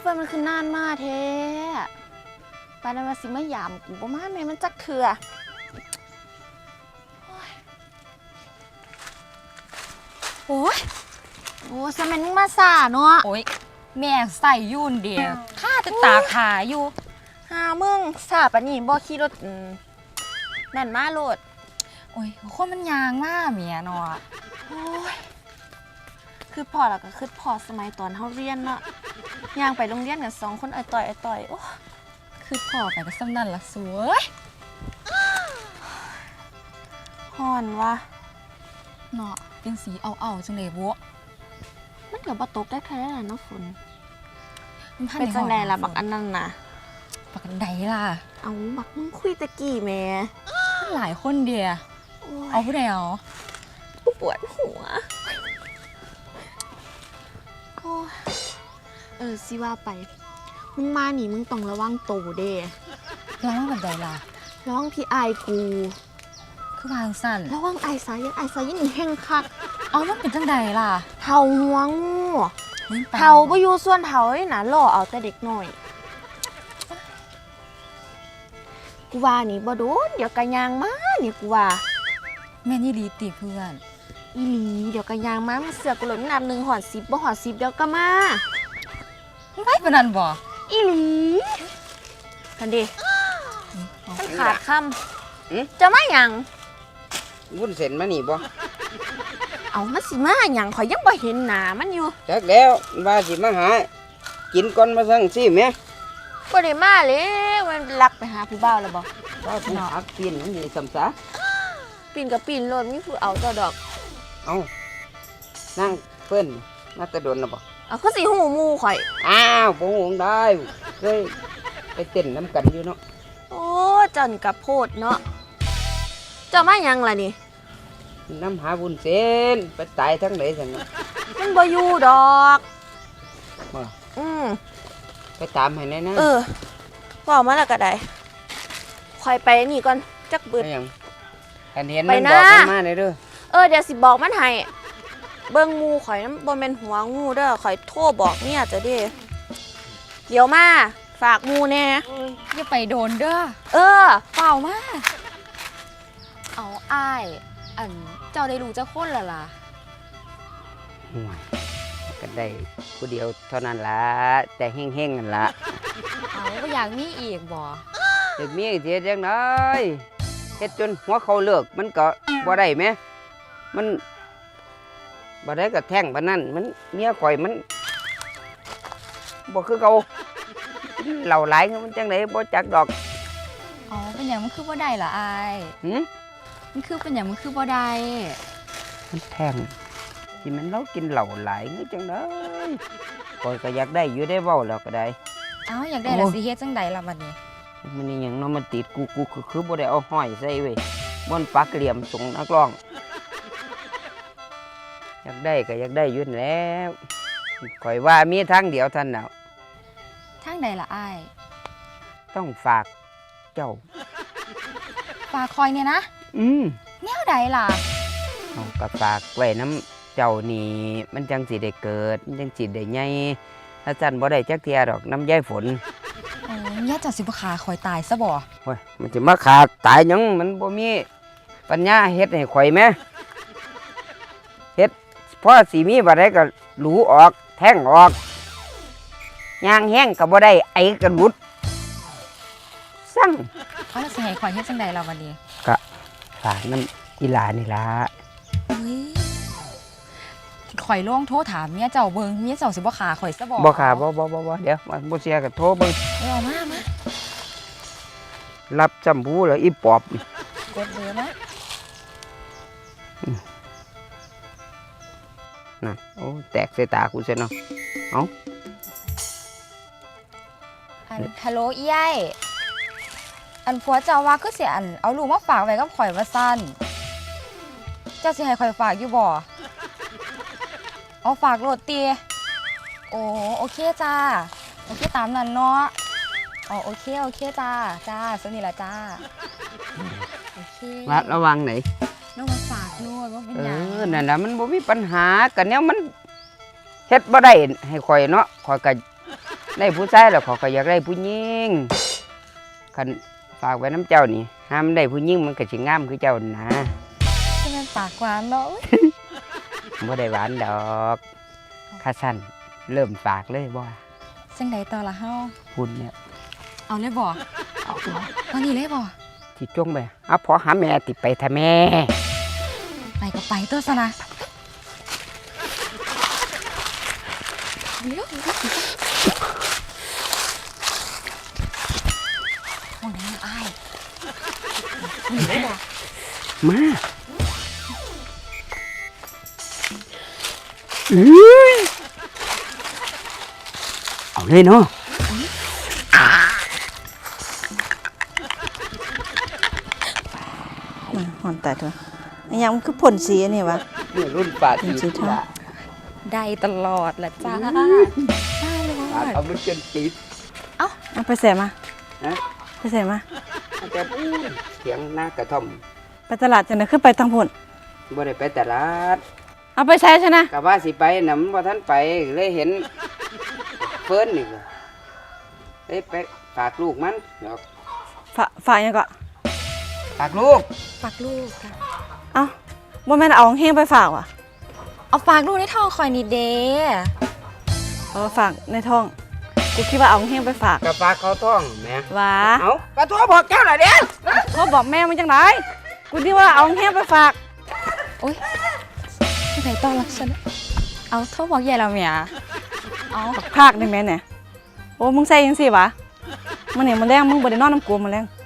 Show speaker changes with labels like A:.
A: เฟิร์นมันคือนานมากเท้ปานนั้นมาสิมายามกูประมาณแม่มันจักเถื่อโอ้ยโอ้สมัยมึงมาซ่าเนาะ
B: โอ้ยแม่ใส่ยุ่นเดียวข้าจะตาขาอยู่
A: หามึงซ่าปะนี่บ่ขี่รถนั่นมาโลด
B: โอ้ยคนมันยางมากเมียเนาะ
A: โอ้ยคือพอแล้วก็คือพอสมัยตอนเฮาเรียนเนาะย่างไปโรงเรียนกัน2คนไอ้ต่อยโอ้
B: คือพ่อไปก็ซ้ำนั่นละสวย
A: ฮ้อนวะ
B: เนาะเป็นสีเอาจังเลยบัว
A: มันก็บ่ตกได้แค่นั้นเนาะฝนเป็นจังได๋ล่ะบักอันนั้นน่ะ
B: บักอันใดล่ะ
A: เอาบักมึงคุยตะกี้แม่
B: หลายคนเดียเอาผู้ใดเอา
A: กูปวดหัวสิว่าไปมึงมานี่มึงต้องระวังโตเด้
B: ระวังแบบใดล่ะ
A: ระวังพี่อายกู
B: คือวางสั่น
A: ระวังไอ้สายันนี่แห้งคัก
B: เอามันเป็นจังใดล่ะ
A: เฒ่าหัวงูเฒ่าบ่อยู่ส่วนเฒ่าเลยนะล่อเอาแต่เด็กน้อยกูว่านี่บ่โดนเดี๋ยวกะยางมานี่กูว่า
B: แม่นี่ดีติเพื่อน
A: อีหลีเดี๋ยวกะยางมาเสือกูหล่นน้ำ1 หอด 10บ่หอด 10เดี๋ยวก็มา
B: ไปปานนั้นบ่
A: อีหลีกันดิมันขาดคำจะมาหยัง
C: วุ้นเส้นมานี่บ่
A: เอามาสิมาหยังข่อยยังบ่เห็นหน้ามันอยู่
C: จักแล้วว่าสิมาหากินก่อนมาสั่งสิแม่
A: บ่ได้มาเลยมันลักไปหาผู้บ่าวแล้วบ่
C: ว่าผู้อักปีนมันนี่สำซา
A: ปีนกับปีนโลดมีผู้เอาต่อดอก
C: เอานั่งเพิ่นมาตะโดนน่ะบ่
A: เอาคือสิหูหมู่ข่อย
C: อ้าวบ่ฮู้ได้เคยไปเต้นน้ำกันอยู่เนาะ
A: โอ้เจ้านี่ก็โพดเนาะเจ้ามาหยังล่ะนี่
C: น้ำหาวุ้นเส้นไปตายทั้งไหนซั่น
A: มันบ่อยู่ดอก
C: บ่ไปตามให้แน่นะ
A: ว่ามาแล้วก็ได้ข่อยไปนี่ก่อนจักบึด
C: อันเห็นมันบอกมันมาได้เด้
A: อเดี๋ยวสิบอกมันให้เบิ่งงูข่อยนั้นบ่แม่นหัวงูเด้อข่อยโทรบอกเนี่ยจะเด้เดี๋ยวมาฝากงูแน่
B: อย่าไปโดนเด้อ
A: เปล่ามา
B: เอาอ้ายอันเจ้าได้รู้จักคนละล่ะ
C: ห่วยก็ได้ผู้เดียวเท่านั้นล่ะแต่แห้งๆนั่นล่ะ
B: เอาบ่อยากมีอีกบ่
C: อยากมีเสียจังได๋เฮ็ดจนหัวเขาเลิกมันก็บ่ได้แหมมันบ่ได้ก็แท่งปานนั้นมันเมียข่อยมันบ่คือเก่าเหล้าหลายมันจังได๋บ่จักดอก
B: อ๋อเป็นหยังมันคือบ่ได้ล่ะอ้ายมันคือเป็นหยังมันคือบ่ได้
C: มันแท่งที่มันเรากินเหล้าหลายนี่จังได๋ข่อยก็อยากได้อยู่ได้เว้าแล้วก็ได้
B: อยากได้ล่ะสิเฮ็ดจังได๋ล่ะบัดนี้
C: มันนี่หยังเนาะมันติดกูคือบ่ได้เอาห้อยใส่เว้ยบ่นปักเหลี่ยมส่งนักร้องอยากได้ก็อยากได้อยู่แล้วข่อยว่ามีทางเดียวท่านน่ะ
B: ทางใดล่ะอ้าย
C: ต้องฝากเจ้า
B: ฝากคอยเนี่ยนะแนวใดล่ะ
C: เอาก็ฝากไว้น้ำเจ้านี่มันจังสิได้เกิดมันจังสิได้ใหญ่ถ้าจันบ่ได้จักเที่ยดอกน้ำยายฝน
B: ย่าเจ้าสิบ่ขาข่อยตายซะบ่
C: โอ้ยมันสิมาขาตายหยังมันบ่มีปัญญาเฮ็ดให้ข่อยแม่เฮ็ดพอสิมีบ่ได้ก็หลูออกแท่งออกยางแห้งก็บ่ได้ไอก็หลุดสั่ง
B: แล้วสิให้ข่อยเฮ็ดจังได๋ล่ะวันนี้
C: ก็ฝากน้ำอีหลานี่ล่ะ
B: ข่อยลองโทรถามเมียเจ้าเบิ่งเมียเจ้าสิบ่ขาข่อยซะบ่
C: บ่ขาบ่เดี๋ยวบ่เสียก็โทรเบิ่ง
B: เอามา
C: รับจำพูแล้วอีปอบ
B: กดเบอร์มา
C: นั่นโอ้แตกใส่ตากูซะเนาะเอ้า
B: ฮัลโหลอีไอ้อันผัวเจ้าว่าคือสิอันเอาลูกมาฝากไว้กับข่อยว่าซั่นเจ้าสิให้ข่อยฝากอยู่บ่เอาฝากโหลดตีโอเคจ้าโอเคตามนั้นเนาะโอเคจ้าสนิทละจ้าโอเค
C: ระวังไหน
B: ระวังฝากโน่นว่าเป็นยัง
C: นั่นแหละมันบ่มีปัญหากันแนวมันเฮ็ดบ่ได้ให้ข่อยเนาะข่อยก็ได้ผู้ชายแล้วเขาก็อยากได้ผู้หญิงคันฝากไว้น้ำเจ้านี่ห้ามได้ผู้หญิงมันก็สิงามคือเจ้านะ
B: ที่มันปากหวานเนาะ
C: บ่ได้หวานดอกข้าสั้นเริ่มฝากเลยบ่
B: จังใดต่อละเฮา
C: คุณเนี่ย
B: เอาเลยบ่เอาตอนนี้เลยบ่
C: ที่จงไปเอาพอหาแม่ติไปทะแม่
B: ไปก็ไปตัวซะนะเร็วโอ้ยน้ำอ้ายนี่บ่
C: มาอื้อเอาเลยเนาะ
D: มาหอนแต่ตัวไอ้ยังมันคือผลสีอันนี่วะ
C: นี่รุ่นป่าตี
D: สีทอง
C: ละ
B: ได้ตลอดละจ้าได้เลย
C: ป่าเอามันจนติด
D: เอาไปใส่มา
C: ฮะ
D: ไปใส่มา
C: มันจะเสียงหน้ากระท่อม
D: ไปตลาดจังได๋คือไปทางพุ่น
C: บ่ได้ไปตลาด
D: เอาไปใช้ใช่นะ
C: กะว่าสิไปน่ะมันบ่ทันไปเลยเห็นเฟิร์นนี่ก็เลยไปฝากลูกมันดอก
D: ฝากหยังก็
C: ฝากลูก
B: ฝากลูกค่ะ
D: เอ้าบ่แม่นเอาแห้งไปฝากว่ะ
B: เอาฝากลูกในท้องคอยนี่เด้
D: ฝากในท้องกูคิดว่าเอาแห้งไปฝาก
C: กะฝากเขาท้องแหม่
D: ว่า
C: เอากระทั่วบอกแก้วล่ะเด้
D: โทรบอกแม่มันจังไดกูคิดว่าเอาแห้งไปฝาก
B: โอ๊ยที่ไหนต้อนรักฉันเอาโทษบอกใหญ่เราเมียเอา
D: ภาคได้แม่เนี่ยโอ้มึงใส่จังซี่วะมันนี่มันแรงมึงบ่ได้นอนน้ำกูมันแรง